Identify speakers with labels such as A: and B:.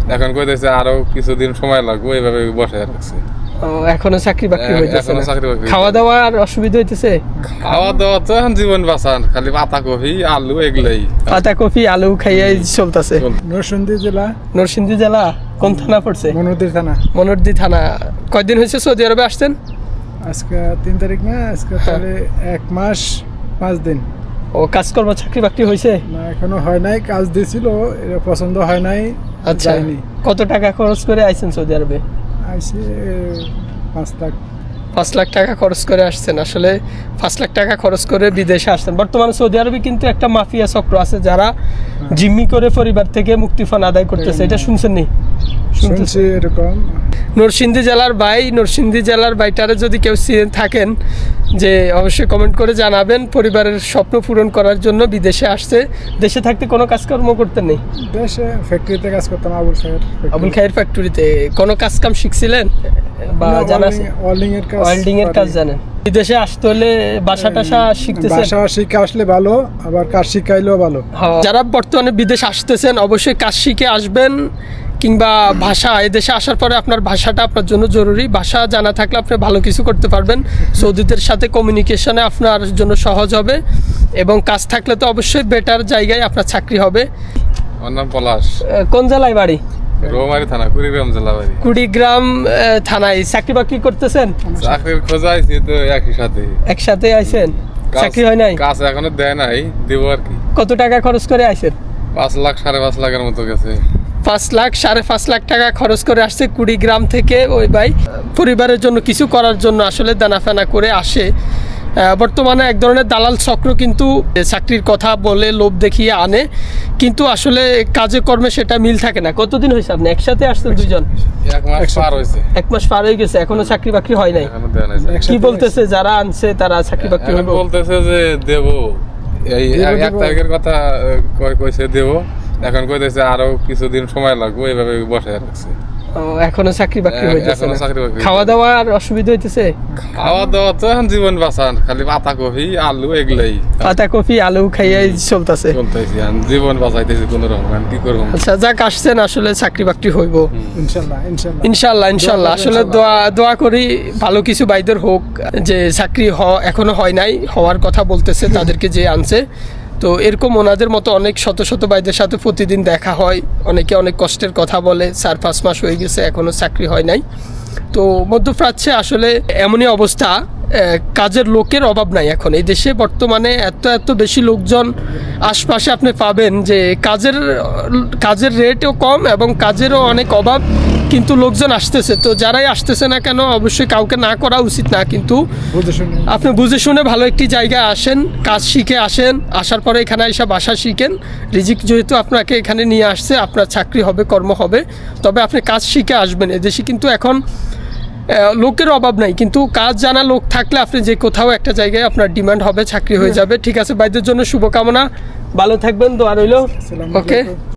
A: এখন কইতেছে আরো কিছুদিন সময় লাগবে, এইভাবে বসে রাখছে।
B: এখনো চাকরি বাকরি হইতেছে
A: এখনো
B: না?
A: চাকরি বাকরি
B: খাওয়া দাওয়ার অসুবিধা হইতেছে?
A: খাওয়া দাওয়া তো এখন জীবন বাঁচান, খালি পাতা কফি আলু এগুলাই।
B: পাতা কফি আলু খাইয়াই চলতেছে।
C: নরসিংদী জেলা,
B: নরসিংদী জেলা কোন থানা পড়ছে?
C: মনোদের থানা।
B: মনোরদি থানা। কয়দিন হয়েছে সৌদি আরবে আসছেন?
C: আজকে 3 তারিখ না, আজকে তাহলে 1 মাস 5 দিন।
B: ও কাজকর্ম চাকরি বাকরি হয়েছে?
C: না এখনো হয় নাই, কাজ দিয়েছিল, এটা পছন্দ হয় নাই,
B: আচ্ছা,
C: যাইনি।
B: কত টাকা খরচ করে আইছেন সৌদি আরবে?
C: আইসি 5 লাখ।
B: 5 লাখ টাকা খরচ করে আসছেন। আসলে 5 লাখ টাকা খরচ করে বিদেশে আসছেন। বর্তমানে সৌদি আরবে কিন্তু একটা মাফিয়া চক্র আছে যারা জিম্মি করে পরিবার থেকে মুক্তিপণ আদায় করতেছে, এটা শুনছেন নি?
C: শুনছি এরকম।
B: নরসিংদী জেলার বাইটারে যদি কেউ থাকেন, যে অবশ্যই কমেন্ট করে জানাবেন। পরিবারের স্বপ্ন পূরণ করার জন্য বিদেশে আসছে। দেশে থাকতে কোনো কাজকর্ম করতেন নেই?
C: দেশে ফ্যাক্টরিতে কাজ করতাম,
B: আবুল খায়ের ফ্যাক্টরিতে। কোনো কাজ কাম শিখছিলেন বা জানা আছে? ওয়েল্ডিং এর কাজ জানেন? বিদেশে আসতে হলে বাসা টাসা শিখতেছেন?
C: ভাষা শিখে আসলে ভালো, আবার কাজ শিখাইলেও ভালো।
B: যারা বর্তমানে বিদেশে আসতেছেন অবশ্যই কাজ শিখে আসবেন, কিংবা ভাষা, এদেশে আসার পরে আপনার ভাষাটা আপনার জন্য জরুরি। ভাষা জানা থাকলে আপনি ভালো কিছু করতে পারবেন, সৌদিদের সাথে কমিউনিকেশনে আপনার জন্য সহজ হবে, এবং কাজ থাকলে তো অবশ্যই বেটার জায়গায় আপনার চাকরি হবে।
A: আমার নাম পলাশ।
B: কোন জেলায় বাড়ি?
A: রৌমারী থানা, কুড়িগ্রাম জেলা বাড়ি।
B: কুড়িগ্রাম থানায়। চাকরি বাকরি করতেছেন?
A: চাকরির খোঁজা আইছি তো একই সাথে।
B: একসাথে আইছেন? চাকরি হয় নাই?
A: কাজ এখনো দেয় নাই, দেবো আর কি।
B: কত টাকা খরচ করে আইছেন?
A: 5 লাখ 5.5 লাখের মতো গেছে।
B: 5 লাখ 5.5 লাখ টাকা খরচ করে আসছে কুড়িগ্রাম থেকে ওই ভাই, পরিবারের জন্য কিছু করার জন্য আসলে দানাফানা করে আসে। বর্তমানে এক ধরনের দালাল চক্র কিন্তু চাকরির কথা বলে লোভ দেখিয়ে আনে, কিন্তু আসলে কাজে কর্মে সেটা মিল থাকে না। কতদিন হয়েছে আপনি একসাথে আসছেন দুইজন?
A: 1 মাস পার হয়েছে।
B: 1 মাস পার হয়ে গেছে, এখনো চাকরি বাকরি হয় নাই?
A: এখনো দেয় নাই।
B: কি বলতেছে যারা আনছে তারা চাকরি বাকরি
A: এখন
B: হবে?
A: বলতেছে যে দেবো, এই 1 তারিখের কথা কইছে দেবো। এখন কইতেছে আরো কিছুদিন সময় লাগবে, এইভাবে বসে রাখছে।
B: এখনো চাকরি বাকরি হইতেছে
A: এখনো
B: না?
A: চাকরি বাকরি।
B: খাওয়া দাওয়ার অসুবিধা হইতেছে?
A: খাওয়া দাওয়া তো এখন জীবন বাঁচান, খালি পাতা কফি আলু এগুলাই।
B: পাতা কফি আলু খাইয়াই চলতেছে।
A: চলতেছি, জীবন বাঁচাইতেছি কোন রকম, কি করবো।
B: আচ্ছা, যাক আসছেন, আসলে চাকরি বাকরি হইব
C: ইনশাল্লাহ।
B: ইনশাল্লাহ। আসলে দোয়া করি ভালো কিছু বাইদের হোক, যে চাকরি এখনো হয় নাই, হওয়ার কথা বলতেছে তাদেরকে যে আনছে। তো এরকম ওনাদের মতো অনেক শত শত বাইদের সাথে প্রতিদিন দেখা হয়, অনেকে অনেক কষ্টের কথা বলে। 4-5 মাস হয়ে গেছে, এখনো চাকরি হয় নাই। তো মধ্যপ্রাচ্যে আসলে এমনই অবস্থা, কাজের লোকের অভাব নাই এখন এই দেশে। বর্তমানে এত বেশি লোকজন আশপাশে আপনি পাবেন যে কাজের রেটও কম এবং কাজেরও অনেক অভাব, কিন্তু লোকজন আসতেছে। তো যারাই আসতেছে না কেন, অবশ্যই কাউকে না করা উচিত না, কিন্তু আপনি বুঝে শুনে ভালো একটি জায়গায় আসেন, কাজ শিখে আসেন, আসার পরে এখানে এসে বাসা শিখেন। রিজিক যেহেতু আপনাকে এখানে নিয়ে আসছে, আপনার চাকরি হবে, কর্ম হবে, তবে আপনি কাজ শিখে আসবেন। এদেশে কিন্তু এখন লোকের অভাব নাই, কিন্তু কাজ জানা লোক থাকলে আপনি যে কোথাও একটা জায়গায় আপনার ডিমান্ড হবে, চাকরি হয়ে যাবে। ঠিক আছে, ভাইদের জন্য শুভকামনা, ভালো থাকবেন, দোয়া রইল। ওকে।